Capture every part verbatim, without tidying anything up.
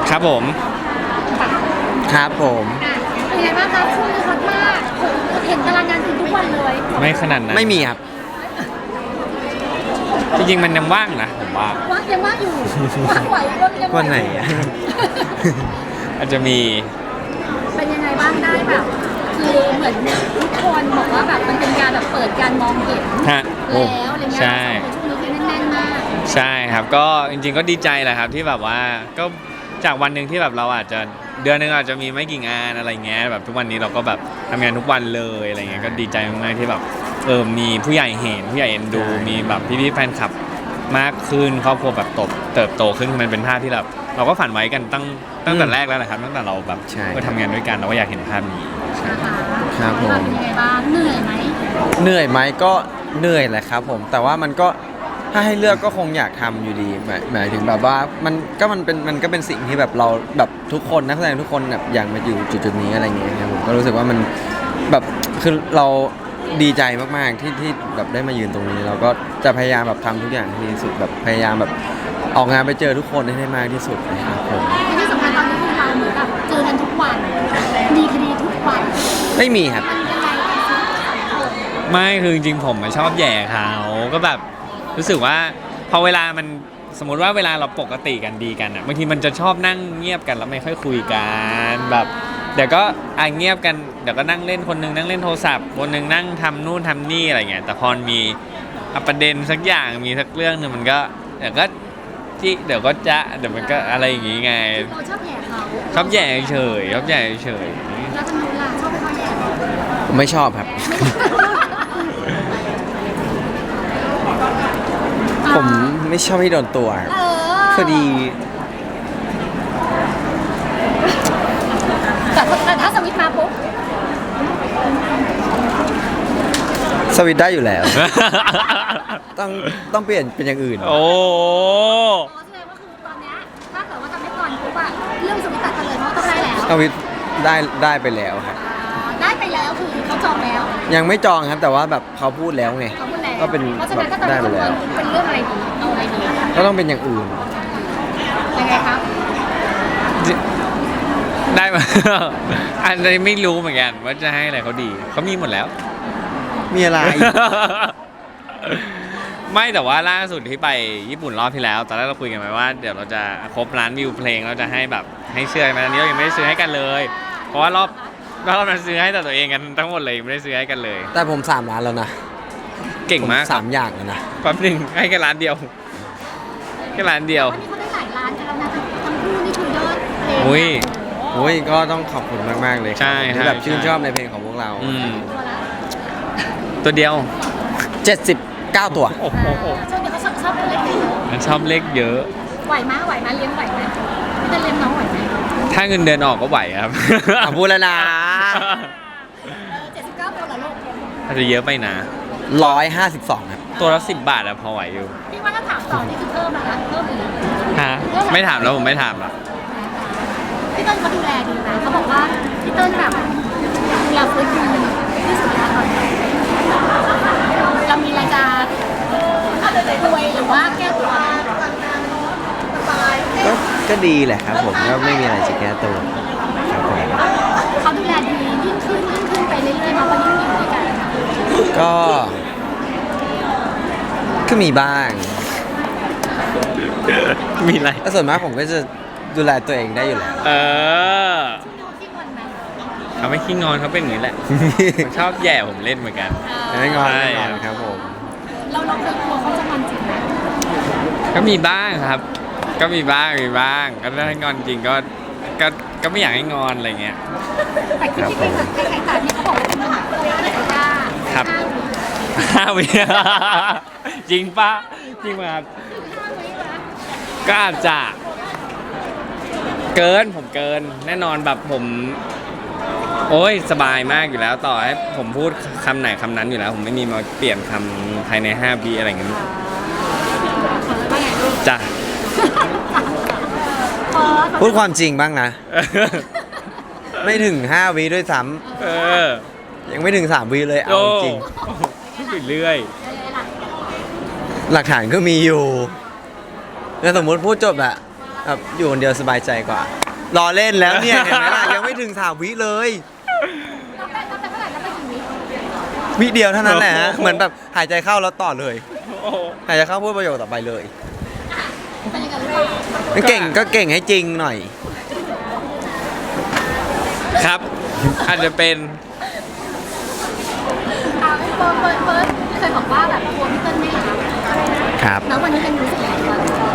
ครับผมครับผมเป็นไงบ้างคะช่วงนี้ฮอตมากเห็นตารางงานคุณทุกวันเลยไม่ขนาดนั้นไม่มีครับจริงๆมันยังว่างนะผมว่าว่างยังว่างอยู่ว่างไหวยังไหววันไหนอ่ะอาจจะมีเป็นยังไงบ้างได้แบบคือเหมือนทุกคนบอกว่าแบบมันเป็นการแบบเปิดการมองเห็นแล้วอะไรเงี้ยช่วงนี้คือแน่นๆมากใช่ครับก็จริงๆก็ดีใจแหละครับที่แบบว่าก็จากวันหนึ่งที่แบบเราอาจจะเดือนนึงอาจจะมีไม่กี่งานอะไรเงี้ยแบบทุกวันนี้เราก็แบบทำงานทุกวันเลยอะไรเงี้ยก็ดีใจมากๆที่แบบเออมีผู้ใหญ่เห็นผู้ใหญ่เอ็นดูมีแบบพี่ๆแฟนคลับมากขึ้นครอบครัวแบบโตเติบโตขึ้นมันเป็นภาพที่แบบเราก็ฝันไว้กันตั้งตั้งแต่แรกแล้วแหละครับตั้งแต่เราแบบก็ทำงานด้วยกันเราก็อยากเห็นภาพนี้ครับผมเป็นยังไงบ้างเหนื่อยไหมเหนื่อยไหมก็เหนื่อยแหละครับผมแต่ว่ามันก็ถ้าให้เลือกก็คงอยากทำอยู่ดีหมายหมายถึงแบบว่ามันก็มันเป็นมันก็เป็นสิ่งที่แบบเราแบบทุกคนนักแสดงทุกคนแบบอยากมาอยู่จุดๆนี้อะไรเงี้ยครับผมก็รู้สึกว่ามันแบบคือเราดีใจมากๆที่ที่แบบได้มายืนตรงนี้เราก็จะพยายามแบบทำทุกอย่างที่ดีสุดแบบพยายามแบบออกงานไปเจอทุกคนให้ได้มากที่สุดนะครับผมที่สำคัญตอนนี้คือเราเหมือนแบบเจอกันทุกวันมีคดีทุกวันไม่มีครับไม่คือจริงๆผมชอบแย่เขาก็แบบรู้สึกว่าพอเวลามันสมมติว่าเวลาเราปกติกันดีกันอ่ะบางทีมันจะชอบนั่งเงียบกันแล้วไม่ค่อยคุยกันแบบเดี๋ยวก็อ่ะเงียบกันเดี๋ยวก็นั่งเล่นคนนึงนั่งเล่นโทรศัพท์คนนึงนั่งทำนู่นทำนี่อะไรเงี้ยแต่พอมีประเด็นสักอย่างมีสักเรื่องนึงมันก็เดี๋ยวก็จิเดี๋ยวก็จะเดี๋ยวมันก็อะไรอย่างงี้ไงเราชอบแย่เขาชอบแย่เฉยชอบแย่เฉยแล้วทำไมล่ะชอบไปเขาแย่ผมไม่ชอบครับผมไม่ชอบให้โดนตัวพอดีแต่ถ้าสวิตมาปุ๊บสวิตได้อยู่แล้วต้องต้องเปลี่ยนเป็นอย่างอื่นโอ้แสดงว่าคือตอนนี้ถ้าเกิดว่าทำได้ก่อนปุ๊บอะเรื่องสวิตตัดกันเลยเพราะต้องได้แล้วสวิตได้ได้ไปแล้วครับได้ไปแล้วคือเขาจองแล้วยังไม่จองครับแต่ว่าแบบเขาพูดแล้วไงก็เป็นแบบได้ไปแล้วเป็นเรื่องอะไรดีเอาอะไรดีก็ต้องเป็นอย่างอื่นยังไงครับได้มาอันนี้ไม่รู้เหมือนกันว่าจะให้อะไรเขาดีเขามีหมดแล้วมีอะไรไม่แต่ว่าล่าสุดที่ไปญี่ปุ่นรอบที่แล้วตอนแรกเราคุยกันไว้ว่าเดี๋ยวเราจะครบล้านวิวเพลงเราจะให้แบบให้เสื้อมาตอนนี้เรายังไม่ได้ซื้อให้กันเลยเพราะว่ารอบรอบนั้นซื้อให้แต่ตัวเองกันทั้งหมดเลยไม่ได้ซื้อให้กันเลยแต่ผมสามล้านแล้วนะเก่งมากสามอย่างแล้วนะแป๊บนึงให้แค่ล้านเดียวแค่ล้านเดียวนี่เขาได้หลายล้านกันแล้วนะทั้งคู่นี่คือยอดเพลงอุ้ยอุ้ยก็ต้องขอบคุณมากๆเลยที่แบบชื่นชอบในเพลงของพวกเราตัวเดียวเจ็ดสิบเก้าตัวโอ้โหชอบเขาชอบเลขเยอะชอบเลขเยอะไหวไหมไหวไหมเลี้ยงไหวไหมจะเลี้ยงน้องไหวไหมถ้าเงินเดือนออกก็ไหวครับพูดแล้วนะเจ็ดสิบเก้าตัวเหรอลูกอาจจะเยอะไปนะร้อยห้าสิบสองครับตัวละสิบบาทอะพอไหวอยู่พี่ว่าถ้าถามต่อนี่คือเพิ่มแล้วนะเพิ่มอีกฮะไม่ถามแล้วผมไม่ถามละพี่เติ้ลเขาดูแลดีนะเขาบอกว่าพี่เติ้ลแบบดูแลฟื้นฟูที่สุดแล้วตอนนี้เรามีรายการป่วยหรือว่าแก้ตัวก็ก็ดีแหละครับผมก็ไม่มีอะไรจะแก้ตัวครับผมเขาดูแลดียิ่งขึ้นยิ่งขึ้นไปเรื่อยๆเพราะว่ายิ่งอยู่ด้วยกันก็ก็มีบ้างมีอะไรแต่ส่วนมากผมก็จะดูแลตัวเองได้อยู่แล้วเออเขาไม่ขี้งอนเขาเป็นอย่างนี้แหละชอบแย่ผมเล่นเหมือนกันไม่งอนไม่งอนครับผมเราเราเคยกลัวเขาจะงอนจริงไหมก็มีบ้างครับก็มีบ้างมีบ้างก็ถ้างอนจริงก็ก็ก็ไม่อยากให้งอนอะไรเงี้ยแต่คิดที่เป็นใครๆแต่ที่เขาบอกว่าเป็นมหาตัวไม่ได้จ้าครับห้าวิจริงปะจริงไหมครับก็อาจจะเกินผมเกินแน่นอนแบบผมโอ้ยสบายมากอยู่แล้วต่อให้ผมพูดคำไหนคำนั้นอยู่แล้วผมไม่มีมาเปลี่ยนคำภายในห้าวิอะไรเงี้ยจ้ะพูดความจริงบ้างนะไม่ถึงห้าวิด้วยซ้ำยังไม่ถึงสามวิเลยเอาจริงพูดไปเรื่อยหลักฐานก็มีอยู่แล้วสมมติพูดจบอะแบบอยู่คนเดียวสบายใจกว่ารอเล่นแล้วเนี่ยเห็นไหมล่ะยังไม่ถึงสามวิเลยเราไปเราไปเมื่อไหร่เราไปกี่วิวิเดียวเท่านั้นแหละฮะเหมือนแบบหายใจเข้าแล้วต่อเลยโอ้โหหายใจเข้าพูดประโยคต่อไปเลยเป็นยังไงหรือเปล่าไม่เก่งก็เก่งให้จริงหน่อยครับ อาจจะเป็นอ่าเฟิร์สเฟิร์สเฟิร์สเคยบอกว่าแบบกลัวพี่เติ้ลไม่รักครับแล้ววันนี้เป็นรู้สึกยังไงบ้าง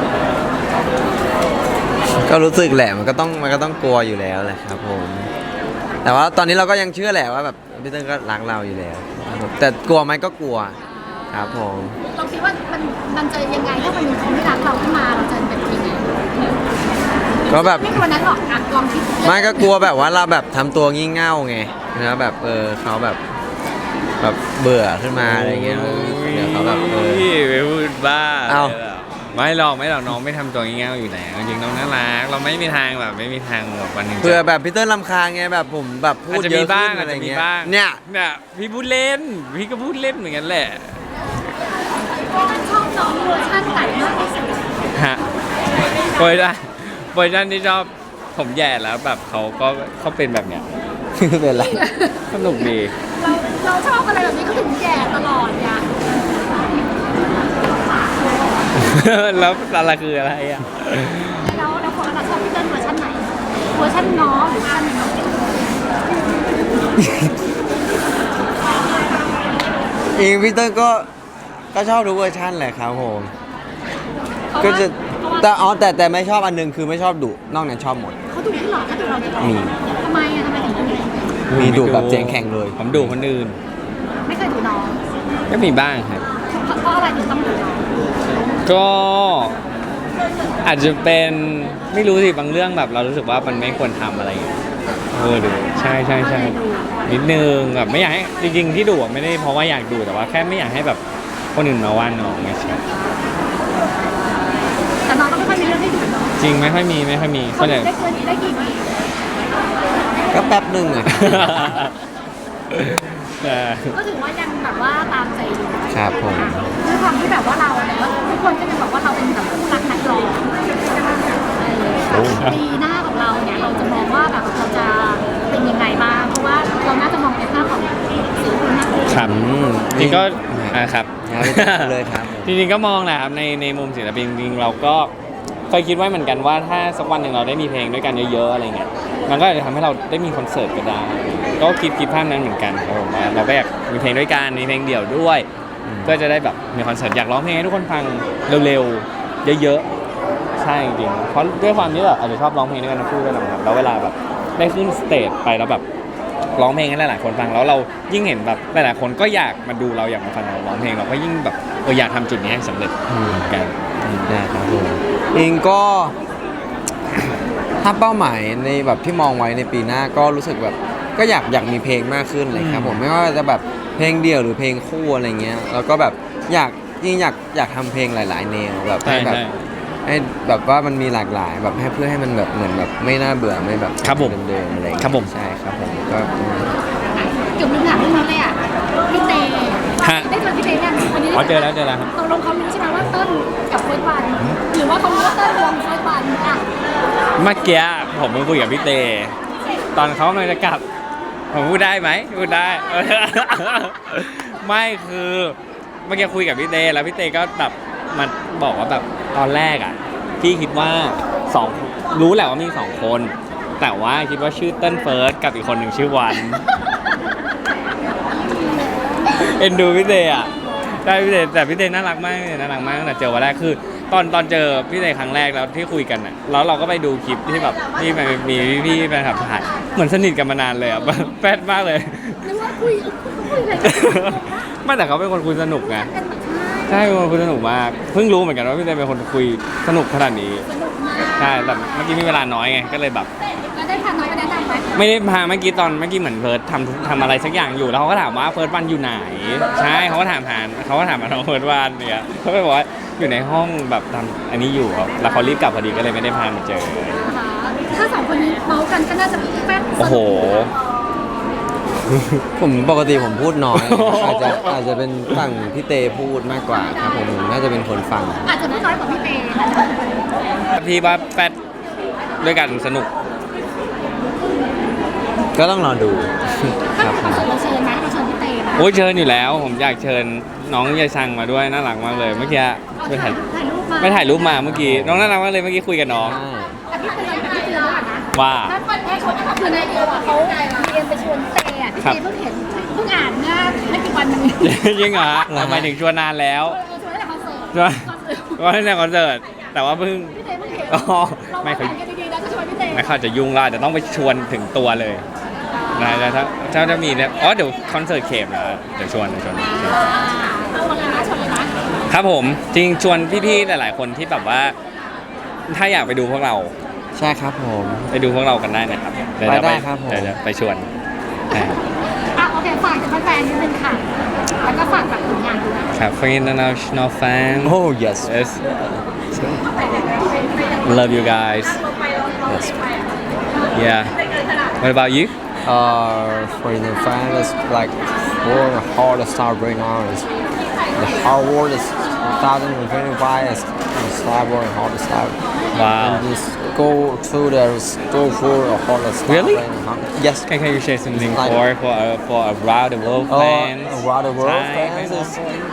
ก็รู้สึกแหละมันก็ต้องมันก็ต้องกลัวอยู่แล้วแหละครับผมแต่ว่าตอนนี้เราก็ยังเชื่อแหละว่าแบบพี่เติ้ลก็รักเราอยู่แล้วครับผมแต่กลัวไหมก็กลัวครับผมเราคิดว่ามันมันจะยังไงถ้าวันหนึงเขาไม่รักเราขึ้นมาเราจะเป็นยังไงก็แบบไม่กลัวนั้นหรอกอ่ะลองคิดไม่ก็กลัวแบบว่าเราแบบทำตัวงี่เง่าไงนะแบบเออเขาแบบแบบเบื่อขึ้นมาอะไรเงี้ยเดี๋ยวเขาแบบเออไปพูดบ้าเอ้าไม่หรอกไม่หรอกน้องไม่ทำตัวง่ายๆอยู่แล้วจริงๆน้องน่ารักเราไม่มีทางแบบไม่มีทางแบบวันหนึ่งจะเพื่อแบบพี่เติ้ลรำคาญไงแบบผมแบบพูอาดจจะเยมีอะบ้าขึ้งนอาอะจไรจะมีเงี้ยบ้างเนี่ยเนี่ยพี่พูดเล่นพี่ก็พูดเล่นเหมือนกันแหละมันชอบน้องเวอร์ชันไหนมากที่สุดฮะเวอร์ชันเวอร์ชันที่ชอบผมแย่แล้วแบบเขาก็เขาเป็นแบบเนี้ยเป็นไรสนุกดีเราเราชอบอะไรแบบนี้ก็ถึงแก่ตลอดเนี่ยแล้วอะไรคืออะไรอ่ะแล้วเราคนละชอบพี่เติ้ลเวอร์ชันไหนเวอร์ชันน้องหรือเวอร์ชันน้องอิงพี่เติ้ลก็ก็ชอบทุกเวอร์ชันแหละครับผมเพราะก็ว่าจะเพราะว่าแต่อ๋อแต่แต่ไม่ชอบอันหนึงคือไม่ชอบดุนอกนั้นชอบหมดเขาดูที่หลอกเขาดูเราเนี่ยมีทำไมอ่ะทำไมถึงดูเนี่ยมีดุแบบเสียงแข็งเลยผมดูคนอื่นไม่เคยดูน้องก็มีบ้างครับเพราะเพราะอะไรถึงต้องดูน้องก็อาจจะเป็นไม่รู้สิบางเรื่องแบบเรารู้สึกว่ามันไม่ควรทำอะไรอย่างเงี้ยเออดูใช่ใช่ใช่นิดนึงแบบไม่อยากให้จริงๆที่ดูอะไม่ได้เพราะว่าอยากดูแต่ว่าแค่ไม่อยากให้แบบคนอื่นมาว่าน้องไม่ใช่แต่น้องก็ไม่ค่อยมีเรื่องให้ดูเนาะจริงไม่ค่อยมีไม่ค่อยมีเขาส่วนใหญ่ได้เกินได้กี่ปีก็แป๊บหนึ่งอะเออก็ถือว่ายังแบบว่าตามใจอยู่ครับผมด้วยความที่แบบว่าเราเนี่ยทุกคนก็จะบอกว่าเราเป็นแบบผู้รักนักร้องปีหน้าของเราเนี่ยเราจะมองว่าแบบเราจะเป็นยังไงบ้างเพราะว่าเราน่าจะมองในภาพของศิลปินมากขึ้นครับอืมจริงก็อ่าครับครับเลยครับผมจริงๆก็มองแหละครับในในมุมศิลปินจริงๆเราก็เคยคิดไว้เหมือนกันว่าถ้าสักวันหนึ่งเราได้มีเพลงด้วยกันเยอะๆอะไรเงี้ยมันก็อาจจะทำให้เราได้มีคอนเสิร์ตก็ได้ก็คิดคิดภาพนั้นเหมือนกันครับผมว่าเราก็อยากมีเพลงด้วยกันมีเพลงเดี่ยวด้วย ก็จะได้แบบมีคอนเสิร์ตอยากร้องเพลงให้ทุกคนฟังเร็วๆเยอะๆใช่จริงๆเพราะด้วยความที่แบบอาจจะชอบร้องเพลงด้วยกันทั้งคู่ด้วยนะครับแล้วเวลาแบบได้ขึ้นสเตจไปแล้วแบบร้องเพลงให้หลายๆคนฟังแล้วเรายิ่งเห็นแบบหลายๆคนก็อยากมาดูเราอยากมาฟังเราร้องเพลงเราก็ยิ่งแบบเอออยากทำจุดนี้ให้สำเร็จเหมือนกันได้ครับผมเองก็ ถ้าเป้าหมายในแบบที่มองไว้ในปีหน้าก็รู้สึกแบบก็อยากอยากมีเพลงมากขึ้นเลยครับผมไม่ว่าจะแบบเพลงเดี่ยวหรือเพลงคู่อะไรเงี้ยแล้วก็แบบอยากยิ่งอยากอยากทำเพลงหลาย ๆ แนวแบบใช่ให้แบบใช่ให้แบบว่ามันมีหลากหลายแบบให้เพื่อให้มันแบบเหมือนแบบไม่น่าเบื่อไม่แบบครับผมเดิมๆอะไรเงี้ยครับผมใช่ครับผมก็เกือบลืมถามเรื่องนี้เลยอ่ะพี่เตฮะได้เจอพี่เตยังวันนี้อ๋อเจอแล้วเจอแล้วครับตกลงเขารู้ใช่ไหมว่าเติ้ลกับเฟิร์สวันหรือว่าเขารู้ว่าเติ้ลวงเฟิร์สวันอ่ะเมื่อกี้ผมเพิ่งคุยกับพี่เต ตอนเขากำลังจะกลับ ผมพูดได้ไหมพูดได้ ไม่คือเมื่อกี้คุยกับพี่เตแล้วพี่เตก็แบบมาบอกว่าแบบตอนแรกอ่ะพี่คิดว่าสองรู้แหละว่ามีสองคน แต่ว่าคิดว่าชื่อเติ้ลเฟิร์สกับอีกคนหนึ่งชื่อวัน เอ็นดูพี่เตอ่ะได้พี่เตแต่พี่เตน่ารักมากเลยน่ารักมากตั้งแต่เจอวันแรกคือ ตอนตอนเจอพี่เตครั้งแรกแล้วที่คุยกันอ่ะแล้วเราก็ไปดูคลิปที่แบบที่มันมีพี่ๆแฟนคลับถ่ายเหมือนสนิทกันมานานเลยอ่ะ แฟนมากเลยนึกว่าคุยคุยอะไรกันไม่แต่เขาเป็นคนคุยสนุกไงกันแบบใช่เป็นคนคุยสนุกมากเพิ่งรู้เหมือนกันว่าพี่เตเป็นคนคุยสนุกขนาดนี้สนุกมากใช่แต่เมื่อกี้มีเวลาน้อยไงก็เลยแบบแล้วได้พาน้องไปแนะนำไหมไม่ได้พาเมื่อกี้ตอนเมื่อกี้เหมือนเพิร์ดทำทำอะไรสักอย่างอยู่แล้วเขาก็ถามว่าเพิร์ดวันอยู่ไหนใช่เขาก็ถามหาเขาก็ถามมาน้องเพิร์ดวันเนี่ยเขาก็บอกว่าอยู่ในห้องแบบทำอันนี้อยู่ครับแล้วเขารีบกลับพอดีก็เลยไม่ได้พามาเจอนะคะถ้าสองคนนี้เมาส์กันก็น่าจะแป๊บโอ้โหผมปกติผมพูดน้อย อาจจะอาจจะเป็นฝั่งพี่เตพูดมากกว่าครับผมผมน่าจะเป็นคนฟังอาจจะไม่น้อยกว่าพี่เตนะพี่ว่าแฟดด้วยกันสนุกก็ต้องรอดูถ้าครับเป็นคอนเสิร์ตเราเชิญไหมเราเชิญพี่เตนะโอ้ยเชิญอยู่แล้ว ผมอยากเชิญน้องยายชังมาด้วยน่ารักมากเลยเมื่อกี้ไปถ่ายถ่ายรูปมาไปถ่ายรูปมาเมื่อกี้น้องน่ารักมากเลยเมื่อกี้คุยกับน้องใช่แต่พี่เตือนพี่เตือนแล้วก่อนนะว่าถ้าคนแค่ชวนคือในเดียวอ่ะเขาเอ็มไปชวนพี่เตอ่ะพี่ครับเตเพิ่งเห็นเพิ่งอ่านเมื่อไม่กี่วันนี้ยังเหรอทำไมถึงชวนนานแล้วเราชวนตั้งแต่คอนเสิร์ตชวนคอนเสิร์ตว่าในคอนเสิร์ตแต่ว่าเพิ่งพี่เตเพิ่งเห็นอ๋อเราไม่ไม่เคยกันดีๆแล้วก็ชวนพี่เตไม่เข้าจะยุ่งและแต่ต้องไปชวนถึงตัวเลยนะแต่ถ้าถ้าจะมีเนี่ยอ๋อเดี๋ยวคอนเสิร์ตเขมนะเดี๋ยวชวนเดี๋ยวชวนอ่าชวนเลยนะชวนเลยนะครับผมจริงชวนพี่ๆหลายๆคนที่แบบว่า ถ้าอยากไปดูพวกเราใช่ครับผมไปดูพวกเรากันได้นะครับเยวไปจะได้ครับผมเดี๋ยวจะไปชวนอ่าอ่ะโอเคฝากถึงแฟนๆนิดนึงค่ะ แล้วก็ฝากแบบผลงานด้วยครับ for international fan Oh yes yes love you guys yes yeah what about you uh for the fans like world hard star right now is the hard world is twenty twenty-five is star world hard star wow and just go to the go for a hard star Really? right now. Yes. can can you share something Like- for for uh, for around the world Uh, fans around the world Thai fans fans is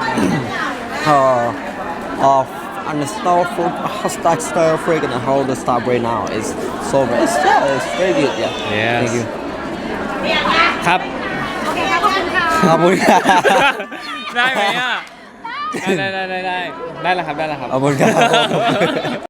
uh, of and the star for hashtag star freak and hold the star right now is so it's, yeah, it's very good yeah Yes. thank you ครับโอเคครับขอบคุณค่ะขอบคุณครับได้ไหมอ่ะ ได้ได้ได้ได้ได้ได้แล้วครับได้แล้วครับขอบคุณครับ